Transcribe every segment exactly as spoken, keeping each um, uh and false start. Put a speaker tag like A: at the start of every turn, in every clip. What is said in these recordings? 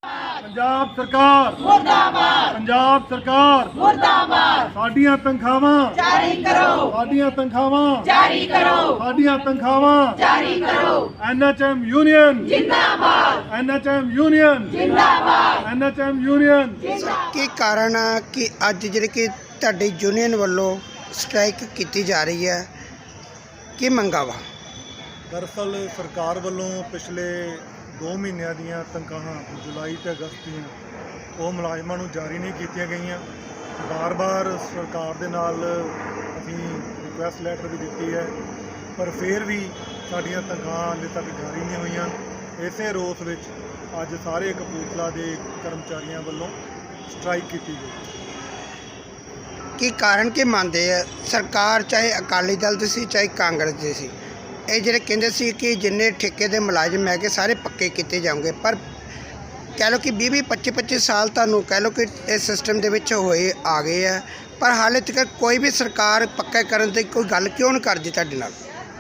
A: पंजाब सरकार मुर्दाबाद, पंजाब सरकार मुर्दाबाद। साडियां तनखावां जारी करो, साडियां तनखावां जारी करो, साडियां तनखावां जारी करो। एन एच एम यूनियन जिंदाबाद, एन एच एम यूनियन जिंदाबाद, एन एच एम यूनियन।
B: की कारण है कि अज जिहड़ी कि तुहाडी यूनियन वालों स्ट्राइक की जा रही है, की मंगा वा?
A: दरअसल सरकार वालों पिछले दो महीनों दीयां तनख्वाहां जुलाई ते अगस्त दीयां वो मुलाजमां नूं जारी नहीं कीतियां गईयां। बार बार सरकार दे नाल असीं रिक्वेस्ट लैटर भी दित्ती है, पर फिर भी साडियां तनख्वाहां हाले तक जारी नहीं होईयां। इसे रोस विच अज सारे कपूरथला दे कर्मचारियों वालों स्ट्राइक की गई।
B: की कारण की मानते हैं? सरकार चाहे अकाली दल दी सी चाहे कांग्रेस दी सी, ਇਹ ਜਿਹੜੇ ਕਹਿੰਦੇ ਸੀ ਕਿ ਜਿੰਨੇ ਠੇਕੇ ਦੇ ਮੁਲਾਜ਼ਮ ਹੈਗੇ ਸਾਰੇ ਪੱਕੇ ਕੀਤੇ ਜਾਣਗੇ, ਪਰ ਕਹਿ ਲਓ ਕਿ ਵੀਹ ਵੀਹ ਪੱਚੀ ਪੱਚੀ ਸਾਲ ਤੁਹਾਨੂੰ ਕਹਿ ਲਓ ਕਿ ਇਸ ਸਿਸਟਮ ਦੇ ਵਿੱਚ ਹੋਏ ਆ ਗਏ ਆ, ਪਰ ਹਾਲੇ ਤੱਕ ਕੋਈ ਵੀ ਸਰਕਾਰ ਪੱਕਾ ਕਰਨ ਦੀ ਕੋਈ ਗੱਲ ਕਿਉਂ ਨਹੀਂ ਕਰਦੀ ਤੁਹਾਡੇ ਨਾਲ?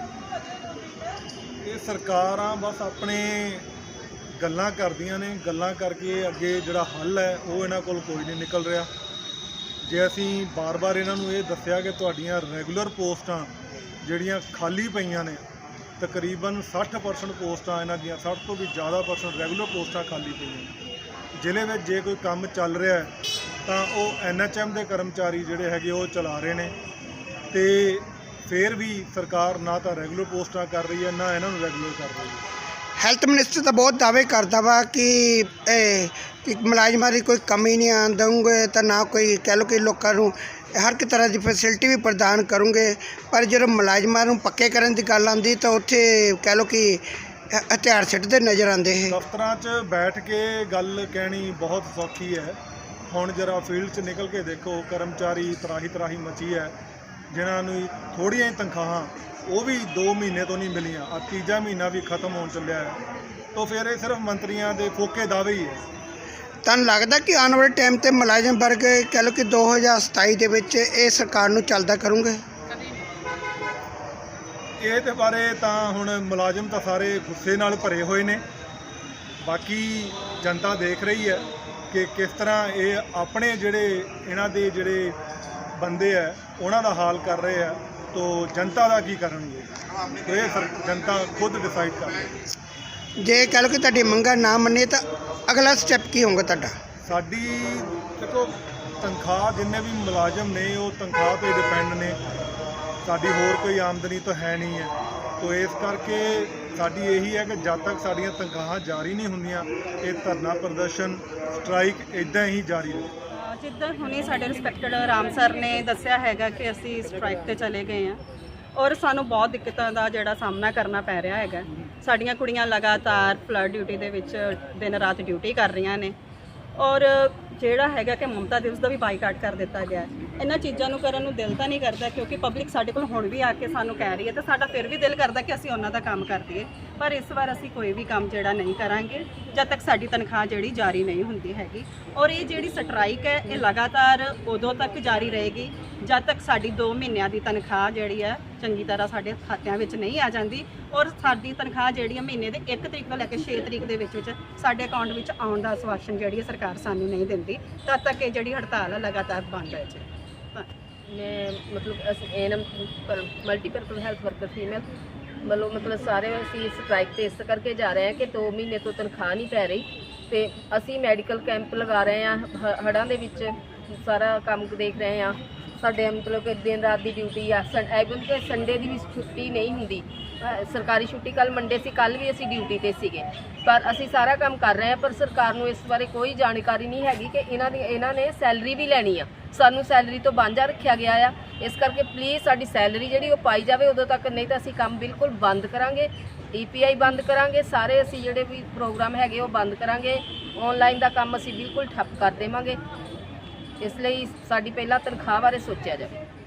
A: ਇਹ ਸਰਕਾਰਾਂ ਬਸ ਆਪਣੇ ਗੱਲਾਂ ਕਰਦੀਆਂ ਨੇ, ਗੱਲਾਂ ਕਰਕੇ ਅੱਗੇ ਜਿਹੜਾ ਹੱਲ ਹੈ ਉਹ ਇਹਨਾਂ ਕੋਲ ਕੋਈ ਨਹੀਂ ਨਿਕਲ ਰਿਹਾ। ਜੇ ਅਸੀਂ ਬਾਰ-ਬਾਰ ਇਹਨਾਂ ਨੂੰ ਇਹ ਦੱਸਿਆ ਕਿ ਤੁਹਾਡੀਆਂ ਰੈਗੂਲਰ ਪੋਸਟਾਂ ਜਿਹੜੀਆਂ ਖਾਲੀ ਪਈਆਂ ਨੇ, ਤਕਰੀਬਨ ਸੱਠ ਪਰਸੈਂਟ ਪੋਸਟਾਂ ਇਹਨਾਂ ਦੀਆਂ ਸੱਠ ਤੋਂ ਵੀ ਜ਼ਿਆਦਾ ਪਰਸੈਂਟ ਰੈਗੂਲਰ ਪੋਸਟਾਂ ਖਾਲੀ ਪਈਆਂ ਨੇ। ਜ਼ਿਲ੍ਹੇ ਵਿੱਚ ਜੇ ਕੋਈ ਕੰਮ ਚੱਲ ਰਿਹਾ ਹੈ ਤਾਂ ਉਹ ਐਨ ਐਚ ਐਮ ਦੇ ਕਰਮਚਾਰੀ ਜਿਹੜੇ ਹੈਗੇ ਉਹ ਚਲਾ ਰਹੇ ਨੇ, ਤੇ ਫਿਰ ਵੀ ਸਰਕਾਰ ਨਾ ਤਾਂ ਰੈਗੂਲਰ ਪੋਸਟਾਂ ਕਰ ਰਹੀ ਹੈ ਨਾ ਇਹਨਾਂ ਨੂੰ ਰੈਗੂਲਰ ਕਰ ਰਹੀ ਹੈ।
B: ਹੈਲਥ ਮਿਨਿਸਟਰ ਤਾਂ ਬਹੁਤ ਦਾਅਵੇ ਕਰਦਾ ਵਾ ਕਿ ਇਹ ਕਿ ਮੁਲਾਜ਼ਮਾਂ ਦੀ ਕੋਈ ਕਮੀ ਨਹੀਂ ਆਉਣ ਦੇਵਾਂਗੇ, ਤਾਂ ਨਾ ਕੋਈ ਕਹਿ ਲਓ ਕਿ ਲੋਕਾਂ ਨੂੰ हर एक तरह की फैसिलिटी भी प्रदान करूँगे, पर जो मुलाजमान नूं पक्के करने की गल आती तो उत्थे कह लो कि हथियार सिੱਟਦੇ नज़र आते हैं।
A: दफ्तरां च बैठ के गल कहनी बहुत सौखी है, हुण जरा फील्ड च निकल के देखो कर्मचारी तराही तराही मची है, जिन्होंने थोड़ियां ही तनख्वाहां वो भी दो महीने तो नहीं मिलियां, आ तीजा महीना भी खत्म होने चलिया है, तो फिर ये सिर्फ मंत्रियों के फोके दावे ही है।
B: ਤੁਹਾਨੂੰ ਲੱਗਦਾ कि आने वाले टाइम ਤੇ ਮੁਲਾਜ਼ਮ ਵਰਗ कह लो कि दो हज़ार सताई ਦੇ ਵਿੱਚ ਇਹ ਸਰਕਾਰ ਨੂੰ ਚੱਲਦਾ ਕਰੂੰਗੇ?
A: ਇਹ ਦੇ ਬਾਰੇ ਤਾਂ ਹੁਣ ਮੁਲਾਜ਼ਮ ਤਾਂ ਸਾਰੇ ਗੁੱਸੇ ਨਾਲ ਭਰੇ ਹੋਏ ਨੇ, ਬਾਕੀ ਜਨਤਾ ਦੇਖ ਰਹੀ ਹੈ ਕਿ ਕਿਸ ਤਰ੍ਹਾਂ ਇਹ ਆਪਣੇ ਜਿਹੜੇ ਇਹਨਾਂ ਦੇ ਜਿਹੜੇ ਬੰਦੇ ਆ ਉਹਨਾਂ ਦਾ ਹਾਲ ਕਰ ਰਹੇ ਆ, तो जनता का की करनगे तो ये जनता खुद डिसाइड कर लेगी।
B: जे कह लो कि तुहाडी मंगां ना मन्ने तो अगला स्टैप की होगा तुहाडा?
A: साडी देखो तनख्वाह जिन्ने भी मुलाजम ने वो तनख्वाह तो डिपेंड ने, साडी होर कोई आमदनी तो है नहीं है, तो इस करके साडी यही है कि जब तक साडियां तनख्वाहां जारी नहीं होंदियां ये धरना प्रदर्शन स्ट्राइक इदां ही जारी रहे।
C: जिद्दां हुणे साडे रिस्पैक्टेड राम सर ने दस्सिया हैगा कि असीं स्ट्राइक ते चले गए हैं और सानू बहुत दिक्कतां दा जिहड़ा सामना करना पै रिहा हैगा। साडियां कुड़ियां लगातार फ्लड ड्यूटी दे विच दिन रात ड्यूटी कर रहीआं ने और ਜਿਹੜਾ ਹੈਗਾ ਕਿ ਮਮਤਾ ਦਿਵਸ ਦਾ ਵੀ ਬਾਈਕਾਟ ਕਰ ਦਿੱਤਾ ਗਿਆ। ਇਹਨਾਂ ਚੀਜ਼ਾਂ ਨੂੰ ਕਰਨ ਨੂੰ ਦਿਲ ਤਾਂ ਨਹੀਂ ਕਰਦਾ, ਕਿਉਂਕਿ ਪਬਲਿਕ ਸਾਡੇ ਕੋਲ ਹੁਣ ਵੀ ਆ ਕੇ ਸਾਨੂੰ ਕਹਿ ਰਹੀ ਹੈ, ਤੇ ਸਾਡਾ ਫਿਰ ਵੀ ਦਿਲ ਕਰਦਾ ਕਿ ਅਸੀਂ ਉਹਨਾਂ ਦਾ ਕੰਮ ਕਰ ਦਈਏ, ਪਰ ਇਸ ਵਾਰ ਅਸੀਂ ਕੋਈ ਵੀ ਕੰਮ ਜਿਹੜਾ ਨਹੀਂ ਕਰਾਂਗੇ ਜਦ ਤੱਕ ਸਾਡੀ ਤਨਖਾਹ ਜਿਹੜੀ ਜਾਰੀ ਨਹੀਂ ਹੁੰਦੀ ਹੈਗੀ। ਔਰ ਇਹ ਜਿਹੜੀ ਸਟ੍ਰਾਈਕ ਹੈ ਇਹ ਲਗਾਤਾਰ ਉਦੋਂ ਤੱਕ ਜਾਰੀ ਰਹੇਗੀ ਜਦ ਤੱਕ ਸਾਡੀ ਦੋ ਮਹੀਨਿਆਂ ਦੀ ਤਨਖਾਹ ਜਿਹੜੀ ਹੈ ਚੰਗੀ ਤਰ੍ਹਾਂ ਸਾਡੇ ਖਾਤਿਆਂ ਵਿੱਚ ਨਹੀਂ ਆ ਜਾਂਦੀ, ਔਰ ਸਾਡੀ ਤਨਖਾਹ ਜਿਹੜੀ ਹੈ ਮਹੀਨੇ ਦੇ ਇੱਕ ਤਰੀਕ ਤੋਂ ਲੈ ਕੇ ਛੇ ਤਰੀਕ ਦੇ ਵਿੱਚ ਵਿੱਚ ਸਾਡੇ ਅਕਾਊਂਟ ਵਿੱਚ ਆਉਣ ਦਾ ਆਸ਼ਵਾਸਨ ਜਿਹੜੀ ਹੈ ਸਰਕਾਰ ਸਾਨੂੰ ਨਹੀਂ ਦਿੰਦੀ, ਤਦ ਤੱਕ ਇਹ ਜਿਹੜੀ ਹੜਤਾਲ ਹੈ ਲਗਾਤਾਰ ਬੰਦ ਹੈ ਜੀ।
D: मैं मतलब ਅਸੀਂ N M multipurpose health worker female ਵੱਲੋਂ ਮਤਲਬ ਸਾਰੇ ਅਸੀਂ ਸਟ੍ਰਾਈਕ ਤੇ ਇਸ ਕਰਕੇ ਜਾ ਰਹੇ ਹਾਂ ਕਿ ਦੋ ਮਹੀਨੇ ਤੋਂ ਤਨਖਾਹ ਨਹੀਂ ਪੈ ਰਹੀ, ਤੇ ਅਸੀਂ ਮੈਡੀਕਲ ਕੈਂਪ ਲਗਾ ਰਹੇ ਹਾਂ ਹੜ੍ਹਾਂ ਦੇ ਵਿੱਚ, ਸਾਰਾ ਕੰਮ ਦੇਖ ਰਹੇ ਹਾਂ। ਸਾਡੇ ਮਤਲਬ ਕਿ ਦਿਨ ਰਾਤ ਦੀ ਡਿਊਟੀ ਆ, ਐਵਨ ਕਿ ਸੰਡੇ ਦੀ ਵੀ ਛੁੱਟੀ ਨਹੀਂ ਹੁੰਦੀ, ਸਰਕਾਰੀ ਛੁੱਟੀ ਕੱਲ ਮੰਡੇ ਸੀ, ਕੱਲ ਵੀ ਅਸੀਂ ਡਿਊਟੀ ਤੇ ਸੀਗੇ, ਪਰ ਅਸੀਂ ਸਾਰਾ ਕੰਮ ਕਰ ਰਹੇ ਹਾਂ, ਪਰ ਸਰਕਾਰ ਨੂੰ ਇਸ ਬਾਰੇ ਕੋਈ ਜਾਣਕਾਰੀ ਨਹੀਂ ਹੈਗੀ ਕਿ ਇਹਨਾਂ ਦੀ ਇਹਨਾਂ ਨੇ ਸੈਲਰੀ ਵੀ ਲੈਣੀ ਆ, ਸਾਨੂੰ ਸੈਲਰੀ ਤੋਂ ਵਾਂਝਾ ਰੱਖਿਆ ਗਿਆ ਆ। ਇਸ ਕਰਕੇ ਪਲੀਜ਼ ਸਾਡੀ ਸੈਲਰੀ ਜਿਹੜੀ ਉਹ ਪਾਈ ਜਾਵੇ ਉਦੋਂ ਤੱਕ, ਨਹੀਂ ਤਾਂ ਅਸੀਂ ਕੰਮ ਬਿਲਕੁਲ ਬੰਦ ਕਰਾਂਗੇ, ਈ ਪੀ ਆਈ ਬੰਦ ਕਰਾਂਗੇ, ਸਾਰੇ ਅਸੀਂ ਜਿਹੜੇ ਵੀ ਪ੍ਰੋਗਰਾਮ ਹੈਗੇ ਉਹ ਬੰਦ ਕਰਾਂਗੇ, ਆਨਲਾਈਨ ਦਾ ਕੰਮ ਅਸੀਂ ਬਿਲਕੁਲ ਠੱਪ ਕਰ ਦੇਵਾਂਗੇ। ਇਸ ਲਈ ਸਾਡੀ ਪਹਿਲਾਂ ਤਨਖਾਹ ਬਾਰੇ ਸੋਚਿਆ ਜਾਵੇ।